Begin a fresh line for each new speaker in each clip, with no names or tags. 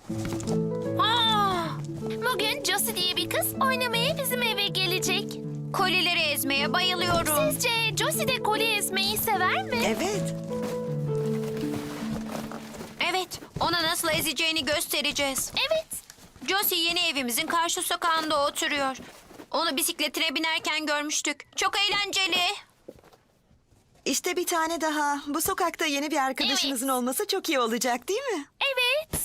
Bugün Josie diye bir kız oynamaya bizim eve gelecek.
Kolileri ezmeye bayılıyorum.
Sizce Josie de koli ezmeyi sever mi?
Evet.
Evet, ona nasıl ezeceğini göstereceğiz.
Evet.
Josie yeni evimizin karşı sokağında oturuyor. Onu bisikletine binerken görmüştük. Çok eğlenceli.
İşte bir tane daha. Bu sokakta yeni bir arkadaşınızın olması çok iyi olacak değil mi?
Evet.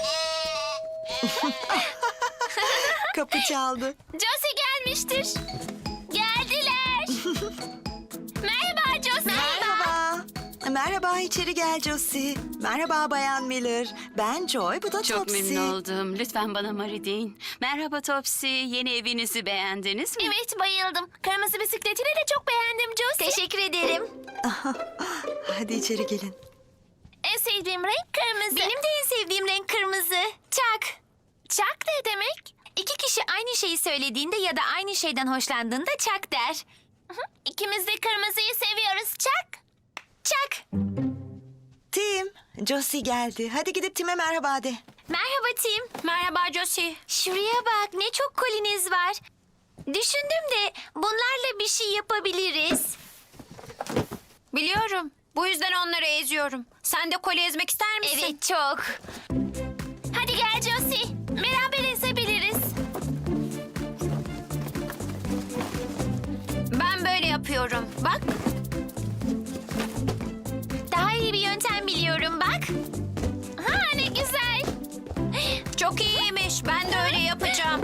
Kapı çaldı.
Josie gelmiştir. Geldiler. Merhaba Josie.
Merhaba. Merhaba, içeri gel Josie. Merhaba Bayan Miller. Ben Joy, bu da
Çok
Topsy.
memnun oldum. Lütfen bana Mari deyin. Merhaba Topsy. Yeni evinizi beğendiniz mi?
Evet, bayıldım. Kırmızı bisikletini de çok beğendim Josie.
Teşekkür ederim.
Hadi içeri gelin.
En sevdiğim renk kırmızı.
Benim de en sevdiğim renk kırmızı. Çak.
Çak ne demek?
İki kişi aynı şeyi söylediğinde ya da aynı şeyden hoşlandığında çak der.
İkimiz de kırmızıyı seviyoruz. Çak.
Çak.
Tim, Josie geldi. Hadi gidip Tim'e merhaba de.
Merhaba Tim. Merhaba Josie. Şuraya bak, ne çok koliniz var. Düşündüm de bunlarla bir şey yapabiliriz. Biliyorum. Bu yüzden onları eziyorum. Sen de koli ezmek ister misin? Evet, çok.
Hadi gel Josie. Beraber ezebiliriz.
Ben böyle yapıyorum. Bak.
Daha iyi bir yöntem biliyorum bak. Ha ne güzel.
Çok iyiymiş. Ben de öyle yapacağım.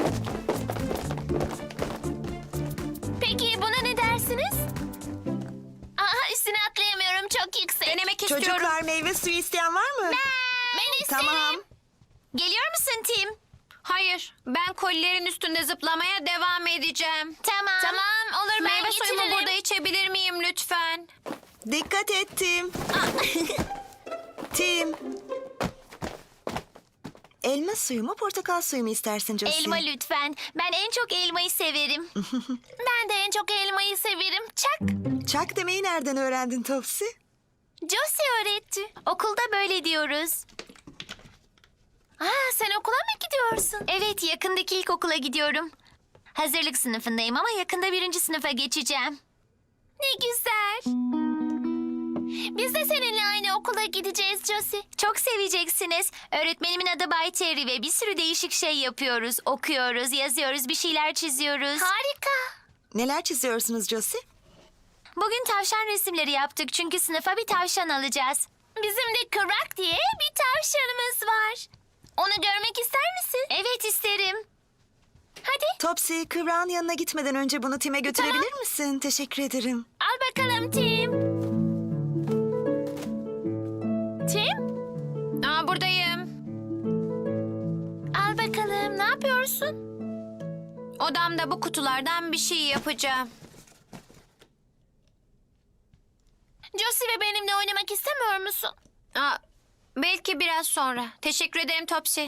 Peki buna ne dersiniz? Aha üstüne atlayamıyorum çok yüksek.
Denemek istiyorum.
Çocuklar, meyve suyu isteyen var mı?
Ben isterim.
Tamam.
Geliyor musun Tim? Hayır. Ben kolilerin üstünde zıplamaya devam edeceğim.
Tamam olur ben
Meyve suyumu
getiririm.
burada içebilir miyim lütfen?
Dikkat et Tim. Tim. Elma suyu mu, portakal suyu mu istersin Josie?
Elma lütfen. Ben en çok elmayı severim. Ben de en çok elmayı severim. Çak.
Çak demeyi nereden öğrendin Topsy?
Josie öğretti. Okulda böyle diyoruz. Sen okula mı gidiyorsun?
Evet, yakındaki ilkokula gidiyorum.
Hazırlık sınıfındayım ama yakında 1. sınıfa geçeceğim. Ne güzel. Biz de seninle aynı okula gideceğiz Josie.
Çok seveceksiniz. Öğretmenimin adı Bay Terry ve bir sürü değişik şey yapıyoruz. Okuyoruz, yazıyoruz, bir şeyler çiziyoruz.
Harika.
Neler çiziyorsunuz Josie?
Bugün tavşan resimleri yaptık çünkü sınıfa bir tavşan alacağız.
Bizim de Kırak diye bir tavşanımız var. Onu görmek ister misin?
Evet, isterim.
Hadi
Topsy, kıvrağın yanına gitmeden önce bunu Tim'e götürebilir misin? Teşekkür ederim.
al bakalım Tim. Tim,
Buradayım.
al bakalım. Ne yapıyorsun?
Odamda bu kutulardan bir şey yapacağım.
Josie ve benimle oynamak istemiyor musun?
Belki biraz sonra. Teşekkür ederim Topsy.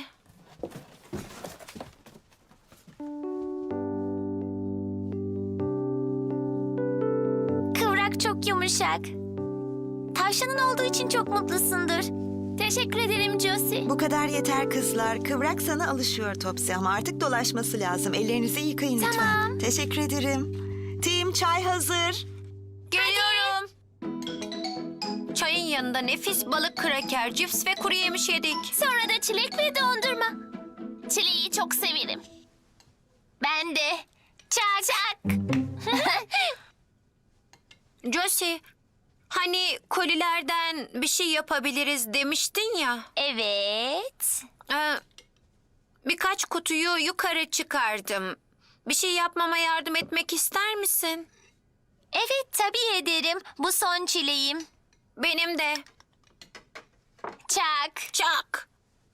Kıvrak çok yumuşak. Tavşanın olduğu için çok mutlusundur. Teşekkür ederim Josie.
Bu kadar yeter kızlar. Kıvrak sana alışıyor Topsy ama artık dolaşması lazım. Ellerinizi yıkayın lütfen.
Tamam.
Teşekkür ederim. Tim, çay hazır.
Geliyorum. Çayın yanında nefis balık kraker, cips ve kuru yemiş yedik.
Sonra da çilek ve dondurma. Çileği çok severim. Ben de. Çak. Çak.
Josie, hani kolilerden bir şey yapabiliriz demiştin ya.
Evet.
Birkaç kutuyu yukarı çıkardım. Bir şey yapmama yardım etmek ister misin?
Evet tabii ederim. Bu son çileğim.
Benim de.
Çak.
Çak.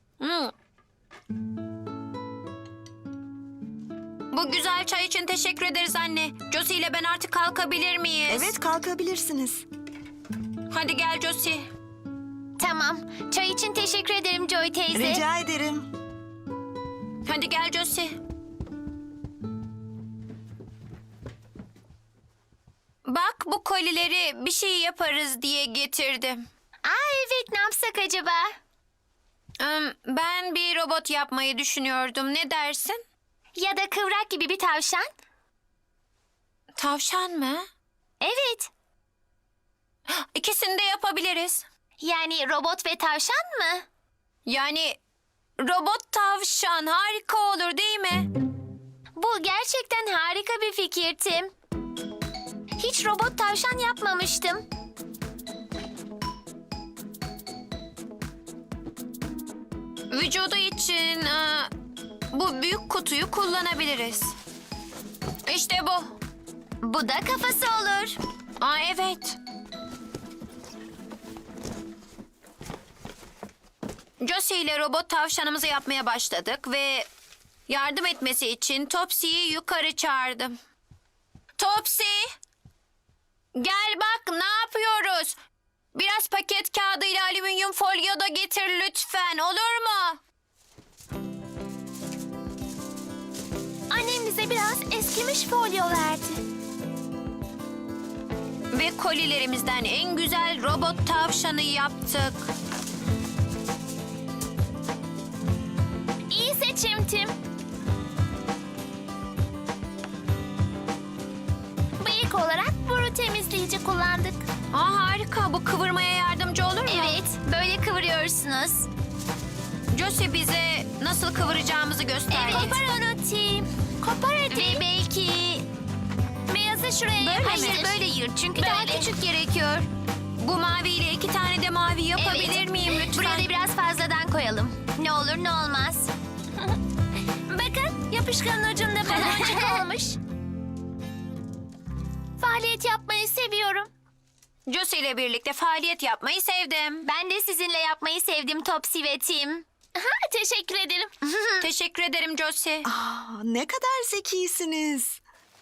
Bu güzel çay için teşekkür ederiz anne. Josie ile ben artık kalkabilir miyiz?
Evet, kalkabilirsiniz.
Hadi gel Josie.
Tamam. Çay için teşekkür ederim Joy teyze.
Rica ederim.
Hadi gel Josie. Bak bu kolileri bir şey yaparız diye getirdim.
Evet ne yapsak acaba?
Ben bir robot yapmayı düşünüyordum. Ne dersin?
Ya da kıvrak gibi bir tavşan.
Tavşan mı?
Evet.
İkisini de yapabiliriz.
Yani robot ve tavşan mı?
Yani robot tavşan harika olur değil mi?
Bu gerçekten harika bir fikir Tim. Hiç robot tavşan yapmamıştım.
Vücudu için bu büyük kutuyu kullanabiliriz. İşte bu.
Bu da kafası olur.
Aa, evet. Josie ile robot tavşanımızı yapmaya başladık ve yardım etmesi için Topsy'yi yukarı çağırdım. Topsy! Gel bak ne yapıyoruz? Biraz paket kağıdı ile alüminyum folyo da getir lütfen, olur mu?
Annem bize biraz eskimiş folyo verdi.
Ve kolilerimizden en güzel robot tavşanı yaptık.
İyi seçim Tim. Bıyık olarak boru temizleyici kullandık.
Aa, harika, bu kıvırmaya yardımcı olur mu?
Evet, böyle kıvırıyorsunuz.
Josie bize nasıl kıvıracağımızı gösterdi.
Evet. Kopar onu Tim. Kopar hadi. Ve belki... Beyazı şuraya
Böyle
yapıştır.
mi?
Böyle yırt çünkü daha küçük gerekiyor.
Bu maviyle 2 tane de mavi yapabilir
Evet.
miyim lütfen?
Buraya da biraz fazladan koyalım. Ne olur ne olmaz. Bakın yapışkanın ucunda baloncuk olmuş. Faaliyet yapmayı seviyorum.
Josie ile birlikte faaliyet yapmayı sevdim.
Ben de sizinle yapmayı sevdim Topsy ve Tim. Teşekkür ederim.
Teşekkür ederim Josie.
Ne kadar zekisiniz.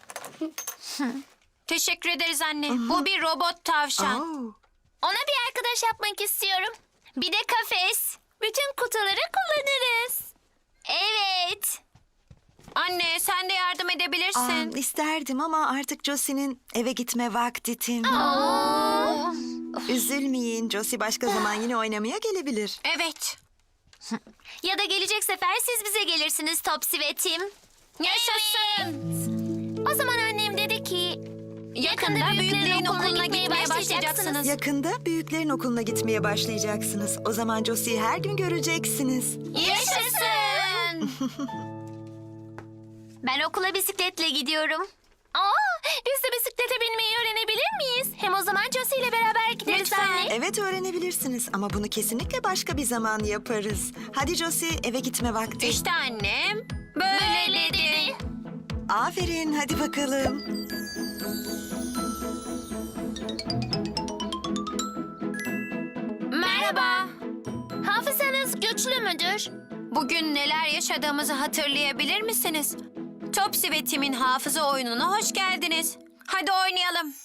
Teşekkür ederiz anne. Bu bir robot tavşan.
Oo.
Ona bir arkadaş yapmak istiyorum. Bir de kafes. Bütün kutuları kullanırız. Evet.
Anne sen de yardım edebilirsin.
İsterdim ama artık Josie'nin eve gitme vakti Tim.
Oo.
Üzülmeyin, Josie başka zaman yine oynamaya gelebilir.
Evet.
Ya da gelecek sefer siz bize gelirsiniz Topsy ve Tim.
Yaşasın.
O zaman annem dedi ki...
Yakında büyüklerin okuluna gitmeye başlayacaksınız.
Yakında büyüklerin okuluna gitmeye başlayacaksınız. O zaman Josie'yi her gün göreceksiniz.
Yaşasın.
Ben okula bisikletle gidiyorum. Biz de bisiklete binmeyi öğrenebilir miyiz? Hem o zaman Josie ile beraber gideriz
Lütfen.
anne.
Evet öğrenebilirsiniz ama bunu kesinlikle başka bir zaman yaparız. Hadi Josie, eve gitme vakti.
İşte annem böyle dedi.
Aferin, hadi bakalım.
Merhaba.
Hafızanız güçlü müdür?
Bugün neler yaşadığımızı hatırlayabilir misiniz? Topsy ve Tim'in hafıza oyununa hoş geldiniz. Hadi oynayalım.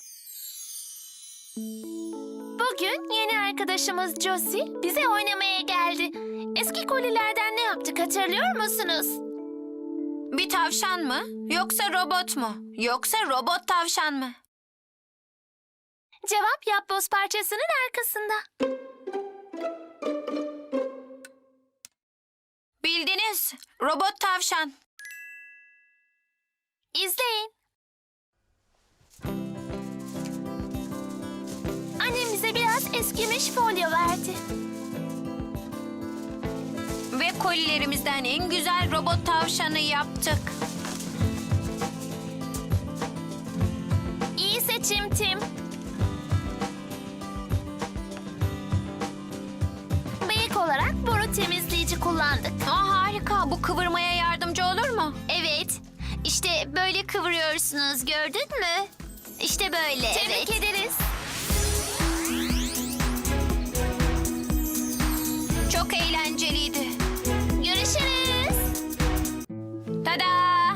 Bugün yeni arkadaşımız Josie bize oynamaya geldi. Eski kolilerden ne yaptık hatırlıyor musunuz?
Bir tavşan mı? Yoksa robot mu? Yoksa robot tavşan mı?
Cevap yapboz parçasının arkasında.
Bildiniz. Robot tavşan.
İzleyin. Annem bize biraz eskimiş folyo verdi.
Ve kolilerimizden en güzel robot tavşanı yaptık.
İyi seçim Tim. Bıyık olarak boru temizleyici kullandık.
Aa, harika. Bu kıvırmaya yardımcı olur mu?
Evet. İşte böyle kıvırıyorsunuz gördün mü? İşte böyle. Tebrik ederiz.
Çok eğlenceliydi.
Görüşürüz.
Tada!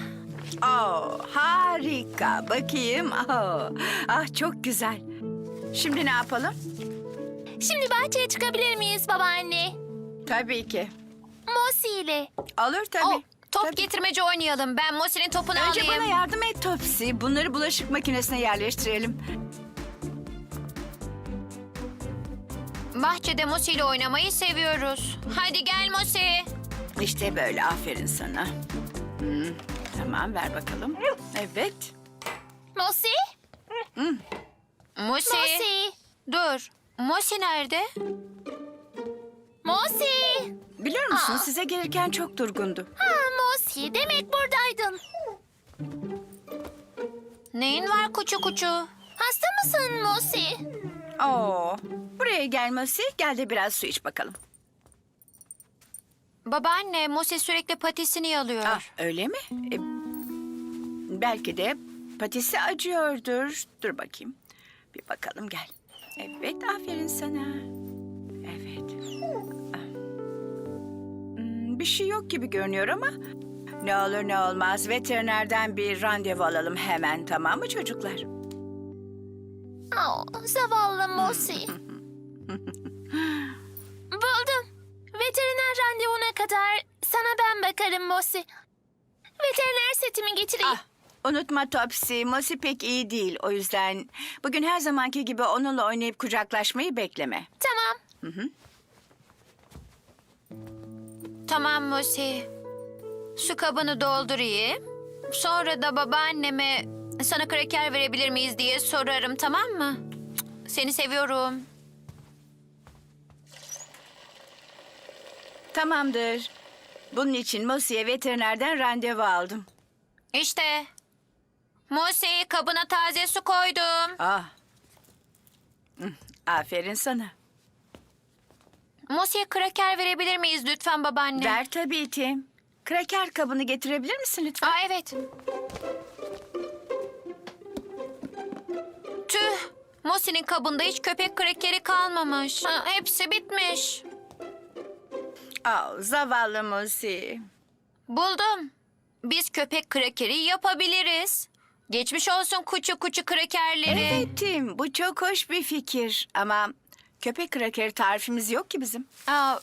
Harika. Bakayım. Ah çok güzel. Şimdi ne yapalım?
Şimdi bahçeye çıkabilir miyiz babaanne?
Tabii ki.
Mosi ile.
Olur tabii.
Top
Tabii.
getirmece oynayalım. Ben Mosi'nin topunu
Önce
alayım.
bana yardım et Topsy. Bunları bulaşık makinesine yerleştirelim.
Bahçede Mosi ile oynamayı seviyoruz. Hadi gel Mosi.
İşte böyle, aferin sana. Tamam, ver bakalım. Evet.
Mosi?
Mosi.
Mosi?
Dur. Mosi nerede?
Mosi?
Biliyor musun, size gelirken çok durgundu.
Ha, Mosi, demek buradaydın.
Neyin var kuçu kuçu?
Hasta mısın Mosi?
Oo, buraya gelmesi, gel de biraz su iç bakalım.
Babaanne, Mosi sürekli patisini yalıyor.
Ah, öyle mi? Belki de patisi acıyordur. Dur bakayım. Bir bakalım, gel. Evet, aferin sana. Evet. Bir şey yok gibi görünüyor ama... Ne olur ne olmaz, veterinerden bir randevu alalım hemen, tamam mı çocuklar?
Zavallı Mosi. Buldum. Veteriner randevuna kadar sana ben bakarım Mosi. Veteriner setimi getireyim.
Ah, unutma Topsy, Mosi pek iyi değil. O yüzden bugün her zamanki gibi onunla oynayıp kucaklaşmayı bekleme.
Tamam.
Tamam Mosi. Su kabını doldurayım. Sonra da babaanneme sana kraker verebilir miyiz diye sorarım, tamam mı? Seni seviyorum.
Tamamdır. Bunun için Mosi'ye veterinerden randevu aldım.
İşte. Mosi, kabına taze su koydum.
Ah. Aferin sana.
Mosi'ye kraker verebilir miyiz lütfen babaanne?
Ver tabii Tim. Kraker kabını getirebilir misin lütfen?
Aa, evet. Tüh. Mosi'nin kabında hiç köpek krakeri kalmamış. Hepsi bitmiş.
Zavallı Mosi.
Buldum. Biz köpek krakeri yapabiliriz. Geçmiş olsun kuçu kuçu krakerleri.
Evet Tim, bu çok hoş bir fikir. Ama köpek krakeri tarifimiz yok ki bizim.
Aa,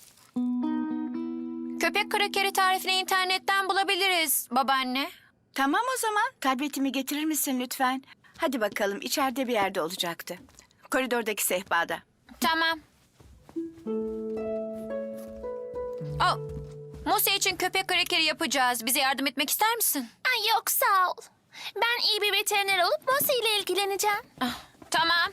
köpek krakeri tarifini internetten bulabiliriz babaanne.
Tamam o zaman. Tabletimi getirir misin lütfen? Hadi bakalım, içeride bir yerde olacaktı. Koridordaki sehpada.
Tamam. Aa, Mosi için köpek krakeri yapacağız. Bize yardım etmek ister misin?
Ay, yok sağ ol. Ben iyi bir veteriner olup Mosi ile ilgileneceğim.
Tamam.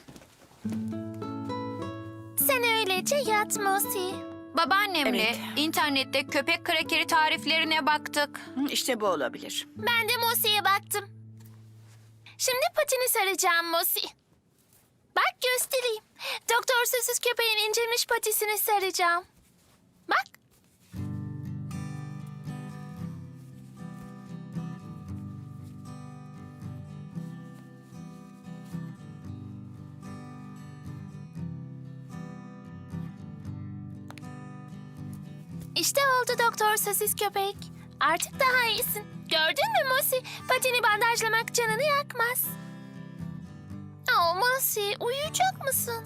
Sen öylece yat Mosi.
Babaannemle
Evet.
internette köpek krakeri tariflerine baktık.
İşte bu olabilir.
Ben de Mosi'ye baktım. Şimdi patini saracağım Mosi. Bak göstereyim. Doktor Süsüz köpeğin incelmiş patisini saracağım. Bak. İşte oldu Doktor Sosis köpek. Artık daha iyisin. Gördün mü Mosi? Patini bandajlamak canını yakmaz. Mosi, uyuyacak mısın?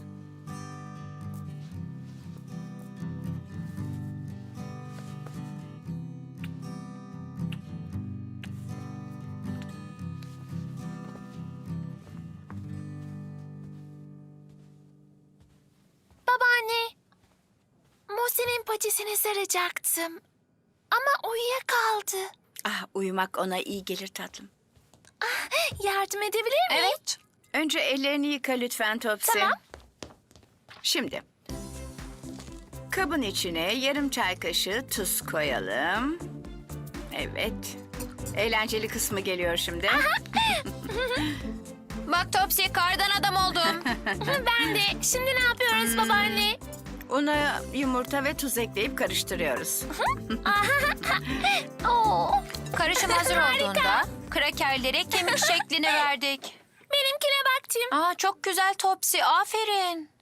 Babaanne, Mosi'nin patisini saracaktım. Ama uyuyakaldı.
Uyumak ona iyi gelir tatlım.
Yardım edebilir miyim?
Evet.
Önce ellerini yıka lütfen Topsy.
Tamam.
Şimdi kabın içine yarım çay kaşığı tuz koyalım. Evet. Eğlenceli kısmı geliyor şimdi.
Bak Topsy, kardan adam oldum.
Ben de. Şimdi ne yapıyoruz babaanne?
Una yumurta ve tuz ekleyip karıştırıyoruz.
Oo,
Karışım hazır
Harika.
olduğunda krakerlere kemik şeklini verdik.
benimkine bak Tim.
Çok güzel Topsy, aferin.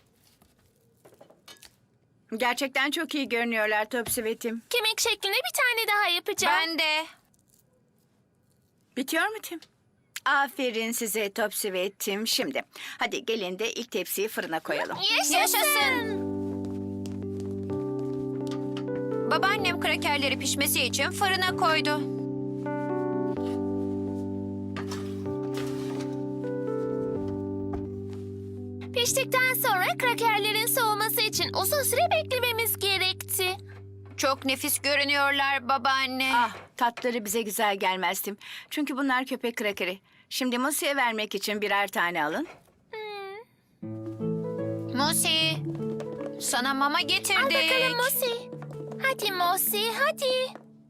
Gerçekten çok iyi görünüyorlar Topsy ve Tim.
Kemik şeklinde bir tane daha yapacağım.
Ben de.
Bitiyor mu Tim? Aferin size Topsy ve Tim. Şimdi hadi gelin de ilk tepsiyi fırına koyalım.
Yaşasın. Babaannem krakerleri pişmesi için fırına koydu.
Pişti içtikten sonra krakerlerin soğuması için uzun süre beklememiz gerekti.
Çok nefis görünüyorlar babaanne.
Ah, tatları bize güzel gelmezdim. Çünkü bunlar köpek krakeri. Şimdi Mosie'ye vermek için birer tane alın.
Mosi, sana mama
Al
getirdik.
bakalım Mosi. Hadi Mosi, hadi.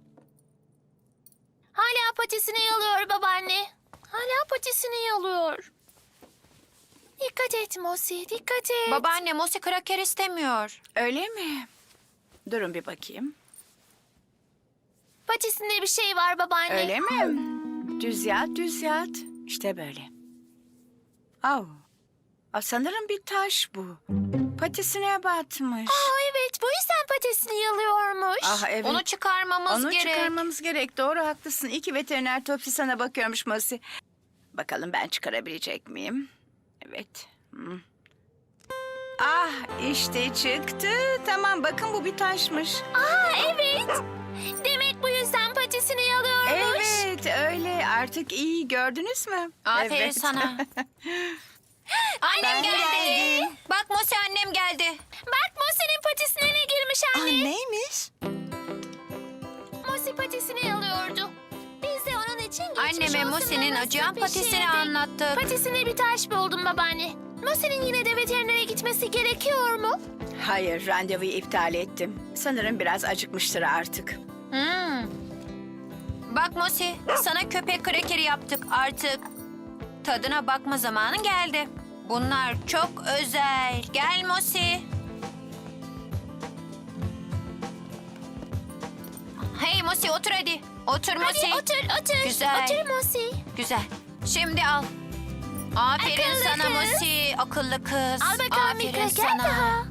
Hala patisini yalıyor babaanne. Hala patisini yalıyor. Dikkat et Mosi, dikkat et.
Babaanne Mosi kraker istemiyor.
Öyle mi? Durun bir bakayım.
Patisinde bir şey var babaanne.
Öyle mi? Düz yat, düz yat. İşte böyle. Au. Sanırım bir taş bu. Patisine batmış.
Aa, evet, bu yüzden patisini yalıyormuş.
Ah evet.
Onu çıkarmamız
Onu
gerek.
çıkarmamız gerek. Doğru, haklısın. İyi ki veteriner Topsy sana bakıyormuş Mosi. Bakalım ben çıkarabilecek miyim? Evet. Ah, işte çıktı. Tamam, bakın bu bir taşmış.
Aa, evet. Demek bu yüzden patisini yalıyormuş.
Evet, öyle. Artık iyi, gördünüz mü?
Aferin
Evet.
sana. Annem geldi. Bak Mosi annem geldi.
Bak Mosi'nin patisine ne girmiş
Aa,
anne.
neymiş?
Mosi patisini yalıyordu. Biz de onun için geçmiş
Anneme
olsun
Mosi'nin
maması
acıyan patisini
pişirdik.
anlattık.
Patisine bir taş buldum babaanne. Mosi'nin yine de veterinere gitmesi gerekiyor mu?
Hayır, randevuyu iptal ettim. Sanırım biraz acıkmıştır artık.
Bak Mosi, sana köpek krekeri yaptık artık. Tadına bakma zamanı geldi. Bunlar çok özel. Gel Mosi. Hey Mosi otur hadi. Otur Mosi.
Hadi otur.
Güzel.
Otur Mosi.
Güzel. Şimdi al. Aferin
Akıllı
sana
kız.
Mosi. Akıllı kız.
Al bakalım bir
Aferin
kraker
sana.
daha.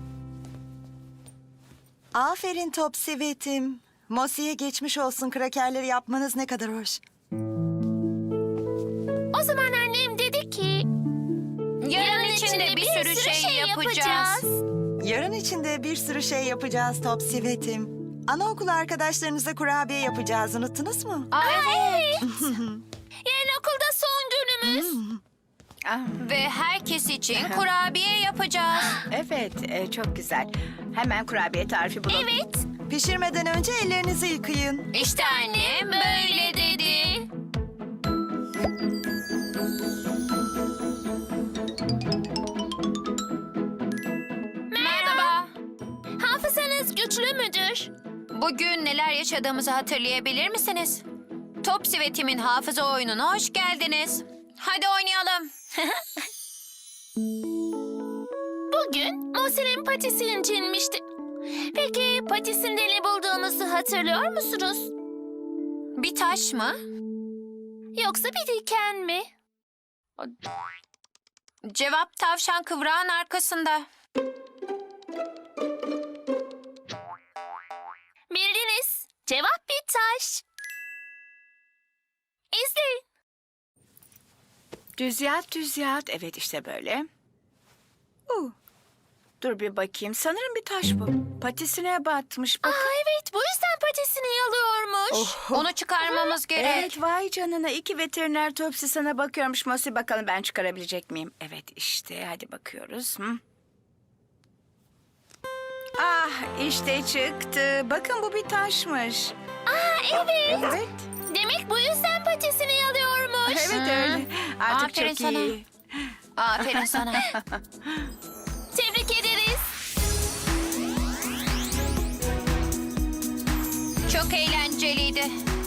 Aferin Topsy ve Tim. Mosi'ye geçmiş olsun, krakerleri yapmanız ne kadar hoş.
O zaman annem dedi ki...
Yarın içinde bir sürü şey yapacağız.
Yarın içinde bir sürü şey yapacağız Topsy ve Tim. Anaokulu arkadaşlarınıza kurabiye yapacağız, unuttunuz mu?
Aa, evet.
Yarın okulda son günümüz.
Ah,
Ve herkes için kurabiye yapacağız.
evet, çok güzel. Hemen kurabiye tarifi bulun.
Evet.
Pişirmeden önce ellerinizi yıkayın.
İşte annem böyle dedi. Merhaba.
Hafızanız güçlü müdür?
Bugün neler yaşadığımızı hatırlayabilir misiniz? Topsy ve Tim'in hafıza oyununa hoş geldiniz. Hadi oynayalım.
Bugün Mosi'nin patisi incinmişti. Peki patisinde ne bulduğumuzu hatırlıyor musunuz?
Bir taş mı?
Yoksa bir diken mi?
Cevap tavşan kıvrağın arkasında.
Bildiniz. Cevap bir taş. İzleyin.
Düz yat, düz yat. Evet, işte böyle. Dur bir bakayım. Sanırım bir taş bu. Patisine batmış. Bak.
Aa, evet, bu yüzden patisini yalıyormuş.
Onu çıkarmamız gerek.
Evet, vay canına. İki veteriner Topsy sana bakıyormuş Mosi. Bakalım ben çıkarabilecek miyim? Evet, işte. Hadi bakıyoruz. Ah, işte çıktı. Bakın bu bir taşmış.
Aa, evet.
Evet.
Demek bu yüzden patisini yalıyormuş.
Evet öyle. Artık
Aferin
çok
sana.
iyi.
Aferin sana.
Tebrik ederiz.
Çok eğlenceliydi.